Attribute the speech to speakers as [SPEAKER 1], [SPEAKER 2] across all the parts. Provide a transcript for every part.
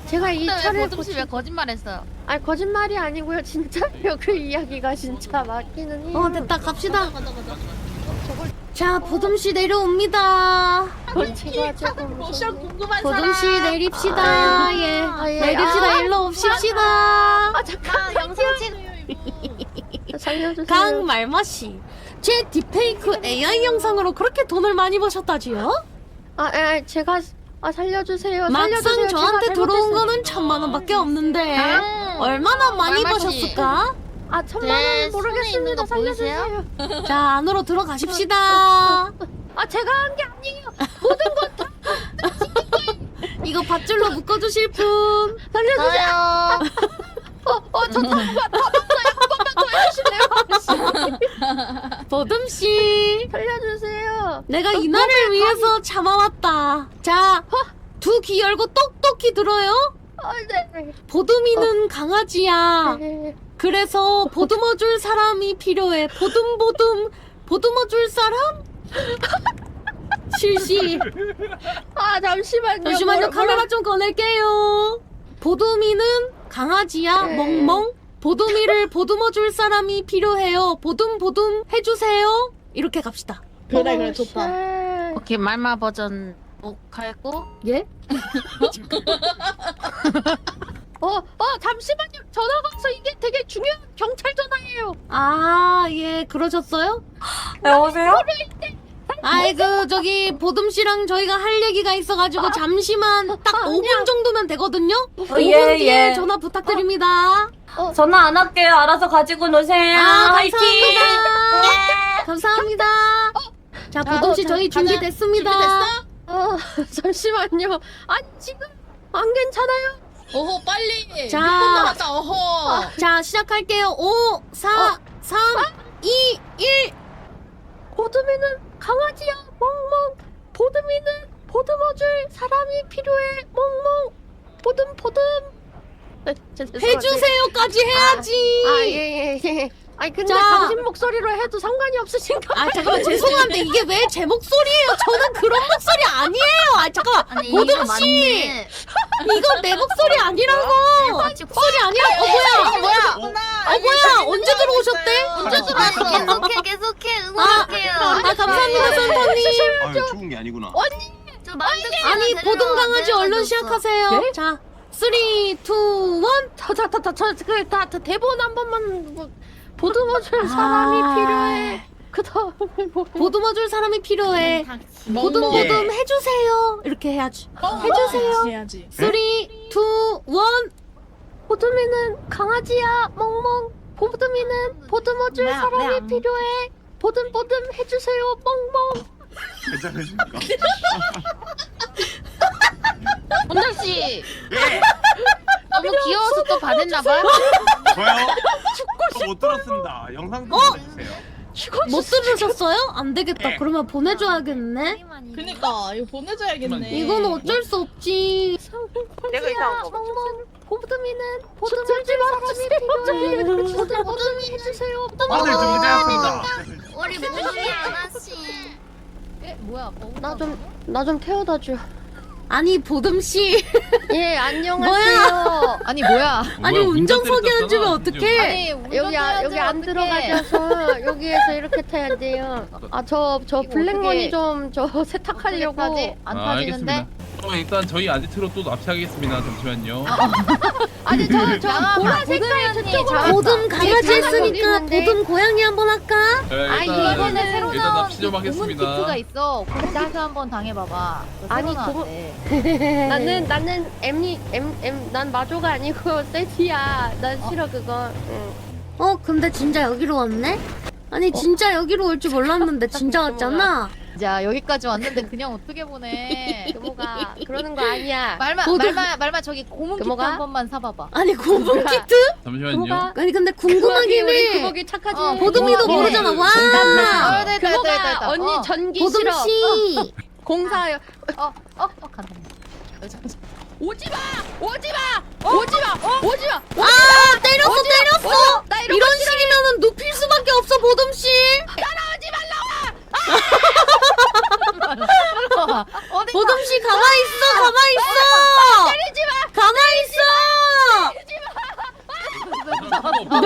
[SPEAKER 1] 제가 이
[SPEAKER 2] 근데
[SPEAKER 1] 차를
[SPEAKER 2] 왜 보tum씨 왜 거짓말했어요?
[SPEAKER 1] 아니 거짓말이 아니고요 진짜요. 그 이야기가 진짜 맞기는 해요.
[SPEAKER 3] 됐다 갑시다.
[SPEAKER 2] 가자.
[SPEAKER 3] 자 보듬씨 내려옵니다.
[SPEAKER 1] 제가 조금
[SPEAKER 2] 옵션
[SPEAKER 1] 무섭네.
[SPEAKER 2] 궁금한
[SPEAKER 3] 보듬씨
[SPEAKER 2] 사람.
[SPEAKER 3] 내립시다. 예.
[SPEAKER 1] 예.
[SPEAKER 3] 내립시다. 일로 옵십시다.
[SPEAKER 1] 아 잠깐
[SPEAKER 2] 영상 찍.
[SPEAKER 1] 살려주세요.
[SPEAKER 3] 강말마씨. 제 딥페이크 AI 영상으로 그렇게 돈을 많이 버셨다지요?
[SPEAKER 1] 제가 살려주세요.
[SPEAKER 3] 막상
[SPEAKER 1] 살려주세요.
[SPEAKER 3] 저한테
[SPEAKER 1] 제가
[SPEAKER 3] 들어온
[SPEAKER 1] 잘못했어요.
[SPEAKER 3] 거는 1000만원밖에 없는데 얼마나 많이 버셨을까?
[SPEAKER 1] 1000만원 모르겠습니다.
[SPEAKER 2] 손에 있는 거 보이세요?
[SPEAKER 1] 살려주세요.
[SPEAKER 3] 자 안으로 들어가십시다.
[SPEAKER 1] 제가 한 게 아니에요. 모든 건 다
[SPEAKER 3] 이거 밧줄로 묶어주실 분.
[SPEAKER 1] 살려주세요.
[SPEAKER 2] 저요.
[SPEAKER 3] 보듬씨
[SPEAKER 1] 살려주세요.
[SPEAKER 3] 내가 이날을 위해서 참아왔다. 자, 두 귀 열고 똑똑히 들어요.
[SPEAKER 1] 네.
[SPEAKER 3] 보듬이는 강아지야.
[SPEAKER 1] 네.
[SPEAKER 3] 그래서 보듬어줄 사람이 필요해. 보듬어줄 사람? 실시.
[SPEAKER 1] 잠시만요.
[SPEAKER 3] 잠시만요. 카메라 좀 꺼낼게요. 보듬이는 강아지야.
[SPEAKER 1] 네.
[SPEAKER 3] 멍멍. 보듬이를 보듬어줄 사람이 필요해요. 보듬 해주세요. 이렇게 갑시다.
[SPEAKER 2] 그래 좋다.
[SPEAKER 1] 쉣.
[SPEAKER 2] 말마 버전 녹화했고.
[SPEAKER 3] 예?
[SPEAKER 1] 잠시만요. 전화가 와서 이게 되게 중요한 경찰 전화예요.
[SPEAKER 3] 예, 그러셨어요?
[SPEAKER 4] 여보세요?
[SPEAKER 3] 저기 보듬씨랑 저희가 할 얘기가 있어가지고 잠시만 딱 5분 정도면 되거든요? 5분
[SPEAKER 4] 예,
[SPEAKER 3] 뒤에
[SPEAKER 4] 예.
[SPEAKER 3] 전화 부탁드립니다.
[SPEAKER 4] 전화 안 할게요. 알아서 가지고 노세요. 화이팅!
[SPEAKER 3] 감사합니다. 감사합니다. 자, 보듬씨 저희 준비됐습니다.
[SPEAKER 1] 잠시만요. 지금 안 괜찮아요.
[SPEAKER 2] 어허 빨리.
[SPEAKER 3] 자.
[SPEAKER 2] 6분 남았다. 어허.
[SPEAKER 3] 자, 시작할게요. 5, 4, 3, 2, 1.
[SPEAKER 1] 보듬이는 강아지야. 멍멍. 보듬이는 보듬어줄 사람이 필요해. 멍멍. 보듬.
[SPEAKER 3] 해주세요까지 해야지.
[SPEAKER 1] 예. 근데
[SPEAKER 3] 자.
[SPEAKER 1] 당신 목소리로 해도 상관이 없으신가?
[SPEAKER 3] 잠깐만 죄송한데 이게 왜 제 목소리예요? 저는 그런 목소리 아니에요. 잠깐만.
[SPEAKER 2] 아니
[SPEAKER 3] 보듬씨. 이건 내 목소리 아니라고. 목소리 아니라고. 뭐야? 언제 들어오셨대?
[SPEAKER 2] 언제 들어왔어? 계속해 응원할게요.
[SPEAKER 3] 감사합니다, 선생님.
[SPEAKER 5] 죽은 게 아니구나.
[SPEAKER 2] 저 만두
[SPEAKER 3] 아니, 보듬 강아지 얼른 시작하세요.
[SPEAKER 1] 예?
[SPEAKER 3] 자, 3, 2, 1.
[SPEAKER 1] 저 대본 한 번만 보듬어줄 사람이 필요해. 그 다음에 뭐?
[SPEAKER 3] 보듬어줄 사람이 필요해. 보듬 해주세요. 이렇게 해야지. 해주세요.
[SPEAKER 2] 해야지.
[SPEAKER 3] 3, 2, 1.
[SPEAKER 1] 보듬이는 강아지야. 멍멍. 보듬이는 보듬어줄 사람이 필요해. 보듬 해주세요. 멍멍.
[SPEAKER 5] 괜찮으십니까?
[SPEAKER 2] 본장 씨. 너무 귀여워서 또 반했나봐.
[SPEAKER 5] 저요? 못 들었습니다. 영상 좀 보내주세요.
[SPEAKER 3] 못 들으셨어요? 안 되겠다. 그러면 보내줘야겠네.
[SPEAKER 2] 그니까 이거 보내줘야겠네.
[SPEAKER 3] 이건 어쩔 수 없지.
[SPEAKER 1] 내가 이상한 거 멍멍. 보듬이는 보듬어줄 사람이 필요해. 보듬이 해주세요.
[SPEAKER 5] 다들 준비되었습니다.
[SPEAKER 2] 우리 무시 아가씨. 뭐야?
[SPEAKER 1] 나 좀 태워다 줘.
[SPEAKER 3] 아니 보듬씨.
[SPEAKER 1] 예, 안녕하세요.
[SPEAKER 2] 아니 뭐야?
[SPEAKER 3] 아니 운전석에 앉으면 어떡해?
[SPEAKER 1] 여기 안 들어가셔서 여기에서 이렇게 타야 돼요. 저 블랙머니 좀 세탁하려고.
[SPEAKER 2] 안
[SPEAKER 6] 알겠습니다.
[SPEAKER 2] 터지는데?
[SPEAKER 6] 일단 저희 아지트로 또 납치하겠습니다. 잠시만요.
[SPEAKER 1] 아니 저 보라 색깔 저쪽으로.
[SPEAKER 3] 보듬 강아지 했으니까
[SPEAKER 1] 있는데.
[SPEAKER 3] 보듬 고양이 한번 할까?
[SPEAKER 6] 자,
[SPEAKER 2] 이번에 새로
[SPEAKER 6] 일단
[SPEAKER 2] 나온
[SPEAKER 6] 납치 좀
[SPEAKER 2] 고문
[SPEAKER 6] 하겠습니다.
[SPEAKER 2] 키트가 있어. 거기서 한번 당해봐봐.
[SPEAKER 1] 아니, 나는 난 마조가 아니고 세티야. 난 싫어 그거. 응.
[SPEAKER 3] 근데 진짜 여기로 왔네? 아니 진짜 여기로 올 줄 몰랐는데 진짜 왔잖아.
[SPEAKER 2] 자 여기까지 왔는데 그냥 어떻게 보내?
[SPEAKER 1] 규모가 그러는 거 아니야.
[SPEAKER 2] 말마 저기 고문 키트
[SPEAKER 1] 금호가?
[SPEAKER 2] 한 번만 사봐봐.
[SPEAKER 3] 아니 고문 키트?
[SPEAKER 6] 잠시만요.
[SPEAKER 3] 아니 근데 궁금하긴 해.
[SPEAKER 1] 규모기 착하지.
[SPEAKER 3] 보듬이도
[SPEAKER 1] 규모기.
[SPEAKER 3] 모르잖아. 와.
[SPEAKER 1] 규모가 언니 전기
[SPEAKER 3] 보듬
[SPEAKER 1] 싫어.
[SPEAKER 3] 씨.
[SPEAKER 1] 공사요.
[SPEAKER 2] 간다.
[SPEAKER 3] 때렸어.
[SPEAKER 1] 나
[SPEAKER 3] 이런 식이면은 눕힐 수밖에 없어 보듬 씨.
[SPEAKER 2] 어디
[SPEAKER 3] 보듬 씨 가만히 있어. 때리지 마. 가만히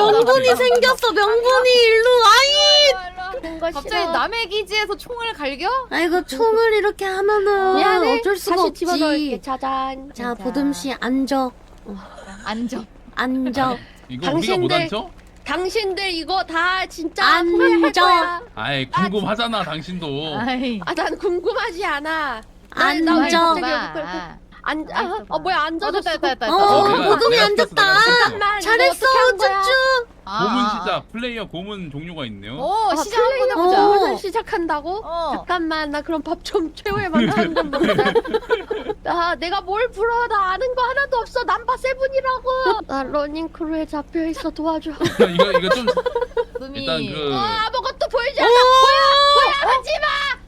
[SPEAKER 3] 명분이 생겼어. 명분이 일로 아이.
[SPEAKER 1] 뭔가
[SPEAKER 2] 갑자기
[SPEAKER 1] 싫어.
[SPEAKER 2] 남의 기지에서 총을 갈겨?
[SPEAKER 3] 아이고 총을 이렇게 하면은
[SPEAKER 1] 미안해.
[SPEAKER 3] 어쩔 수가
[SPEAKER 1] 다시
[SPEAKER 3] 없지.
[SPEAKER 1] 집어넣을게. 짜잔.
[SPEAKER 3] 자 보듬 씨 앉아.
[SPEAKER 2] 앉아.
[SPEAKER 3] 앉아.
[SPEAKER 6] 이거 우리가 못
[SPEAKER 1] 당신들-
[SPEAKER 6] 앉죠?
[SPEAKER 1] 당신들 이거 다 진짜
[SPEAKER 3] 앉아.
[SPEAKER 1] 후회할 거야.
[SPEAKER 6] 아이 궁금하잖아 당신도.
[SPEAKER 2] 아이.
[SPEAKER 1] 난 궁금하지 않아.
[SPEAKER 3] 앉아. 앉아.
[SPEAKER 1] 뭐야 앉아줬어.
[SPEAKER 2] 됐다.
[SPEAKER 3] 보듬이
[SPEAKER 6] 내가
[SPEAKER 3] 앉았다.
[SPEAKER 1] 잠깐만.
[SPEAKER 3] 잘했어 쭈쭈.
[SPEAKER 6] 고문 시작. 플레이어 고문 종류가 있네요.
[SPEAKER 2] 오 시작 한번 해보자.
[SPEAKER 1] 플레이어를 시작한다고?
[SPEAKER 2] 어.
[SPEAKER 1] 잠깐만 나 그럼 밥 좀 최후의 만찬 좀 먹자. 내가 뭘 풀어 나 아는 거 하나도 없어. 남바 세븐이라고. 나 러닝크루에 잡혀있어 도와줘.
[SPEAKER 6] 이거 좀
[SPEAKER 2] 눈이.
[SPEAKER 6] 일단 그
[SPEAKER 1] 아무것도 보이지 않아. 뭐야 하지마.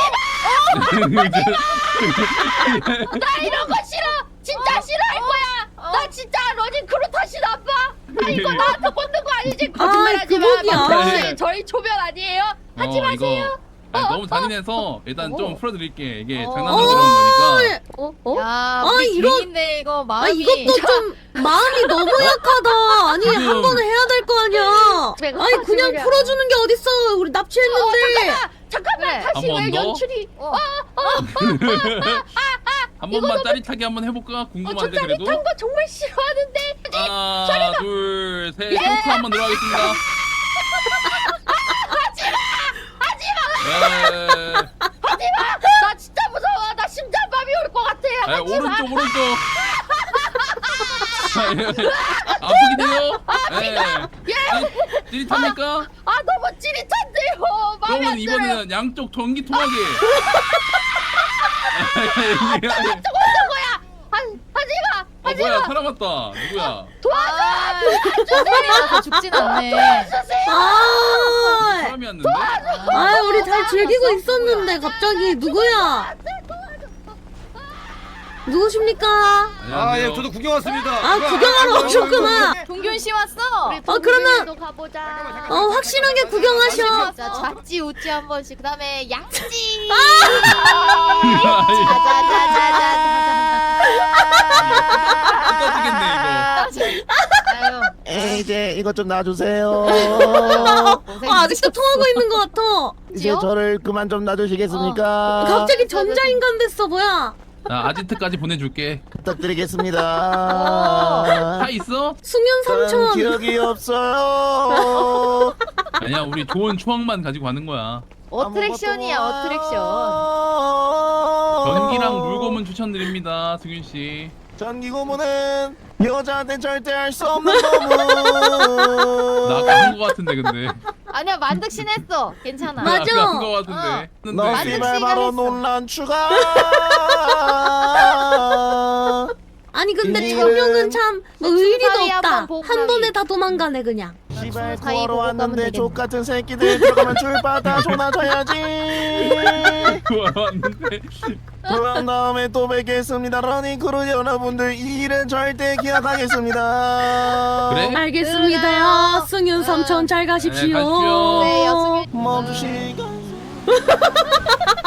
[SPEAKER 1] 나 이런 거 싫어. 진짜 싫어할 거야. 나 진짜 러닝크루 탓이 나빠. 이거 나한테 꽂는 거 아니지? 거짓말하지 마.
[SPEAKER 3] 그거야.
[SPEAKER 1] 혹시 저희 초면 아니에요? 하지 마세요.
[SPEAKER 6] 아니, 너무 잔인해서 일단 좀 풀어드릴게. 이게
[SPEAKER 2] 어.
[SPEAKER 6] 장난으로 들어온 거니까.
[SPEAKER 2] 야,
[SPEAKER 3] 아,
[SPEAKER 2] 우리
[SPEAKER 3] 이거-
[SPEAKER 2] 괜인데 이거 마음이.
[SPEAKER 3] 이것도 좀 마음이 너무 약하다. 아니
[SPEAKER 6] 지금-
[SPEAKER 3] 한 번은 해야 될 거 아니야.
[SPEAKER 1] 내가
[SPEAKER 3] 아니 그냥
[SPEAKER 1] 거짓말이야.
[SPEAKER 3] 풀어주는 게 어딨어. 우리 납치했는데.
[SPEAKER 1] 잠깐만
[SPEAKER 2] 그래.
[SPEAKER 1] 다시
[SPEAKER 6] 한번
[SPEAKER 1] 왜
[SPEAKER 6] 더?
[SPEAKER 1] 연출이
[SPEAKER 6] 한 번만 짜릿하게 한번 해볼까? 궁금한데 그래도.
[SPEAKER 1] 짜릿한 거 정말 싫어하는데
[SPEAKER 6] 하나, 둘, 셋. 토크 한번 들어가겠습니다. 하지마!
[SPEAKER 1] 나 진짜 무서워. 나 심장마비 올 것 같아. 하지 마.
[SPEAKER 6] 오른쪽. 아프긴 해요? 예. 찌릿합니까?
[SPEAKER 1] 아 너무 찌릿한데요. 마음에
[SPEAKER 6] 그러면
[SPEAKER 1] 안 들어요.
[SPEAKER 6] 이번에는 양쪽 전기 통하게.
[SPEAKER 1] 하지 마.
[SPEAKER 6] 뭐야 살아났다. 누구야?
[SPEAKER 2] 소리라서 죽진 않네.
[SPEAKER 3] 아,
[SPEAKER 6] 사람이었는데?
[SPEAKER 3] 아 우리 잘 즐기고 있었는데 갑자기 누구야? 누구십니까?
[SPEAKER 5] 아, 예, 저도 구경 왔습니다.
[SPEAKER 3] 아 구경하러 오셨구나.
[SPEAKER 2] 동균 씨 왔어.
[SPEAKER 3] 그러면-
[SPEAKER 1] 도 가보자.
[SPEAKER 3] 확실하게 구경하셔.
[SPEAKER 2] 자, 좌찌 우찌 한 번씩. 그다음에 양찌.
[SPEAKER 6] 끝까지겠네
[SPEAKER 2] 아유.
[SPEAKER 7] 이제 이것 좀 놔주세요.
[SPEAKER 3] 아직도 통하고 있는 것 같아.
[SPEAKER 7] 이제 저를 그만 좀 놔주시겠습니까?
[SPEAKER 3] 갑자기 전자인간 됐어 뭐야?
[SPEAKER 6] 이거. 나 아지트까지 보내줄게.
[SPEAKER 7] 부탁드리겠습니다.
[SPEAKER 6] 차 있어?
[SPEAKER 3] 수면
[SPEAKER 7] 저는
[SPEAKER 3] 삼촌.
[SPEAKER 7] 기억이 없어요.
[SPEAKER 6] 아니야 우리 좋은 추억만 가지고 가는 거야.
[SPEAKER 2] 어트랙션이야 어트랙션.
[SPEAKER 6] 전기랑 물고문 추천드립니다 승윤 씨.
[SPEAKER 7] 전기 고문은 여자한테 절대 할 수 없는 고문.
[SPEAKER 6] 나 아까 한 거 같은데 근데.
[SPEAKER 2] 아니야 만득신 했어. 괜찮아.
[SPEAKER 3] 맞아.
[SPEAKER 6] 아까 한 거 같은데.
[SPEAKER 7] 너
[SPEAKER 6] 했는데.
[SPEAKER 7] 씨발 바로 논란 추가.
[SPEAKER 3] 아니 근데
[SPEAKER 7] 이
[SPEAKER 3] 저명은 참 뭐 의리도
[SPEAKER 2] 사이
[SPEAKER 3] 없다.
[SPEAKER 2] 한번 보고
[SPEAKER 3] 한
[SPEAKER 2] 가기.
[SPEAKER 3] 번에 다 도망가네 그냥.
[SPEAKER 7] 씨발
[SPEAKER 2] 사이
[SPEAKER 7] 구하러
[SPEAKER 2] 보고 가면
[SPEAKER 7] 왔는데
[SPEAKER 2] 되겠네.
[SPEAKER 7] 족같은 새끼들 들어가면 줄 받아 존나 줘야지.
[SPEAKER 6] 왔는데.
[SPEAKER 7] 그런 다음에 또 뵙겠습니다. 러닝크루 여러분들 이 일은 절대 기억하겠습니다.
[SPEAKER 6] 그래?
[SPEAKER 3] 알겠습니다. 승윤 삼촌 잘 가십시오.
[SPEAKER 6] 네, 가십시오.
[SPEAKER 2] 네, 여승윤.
[SPEAKER 7] 멈추시간.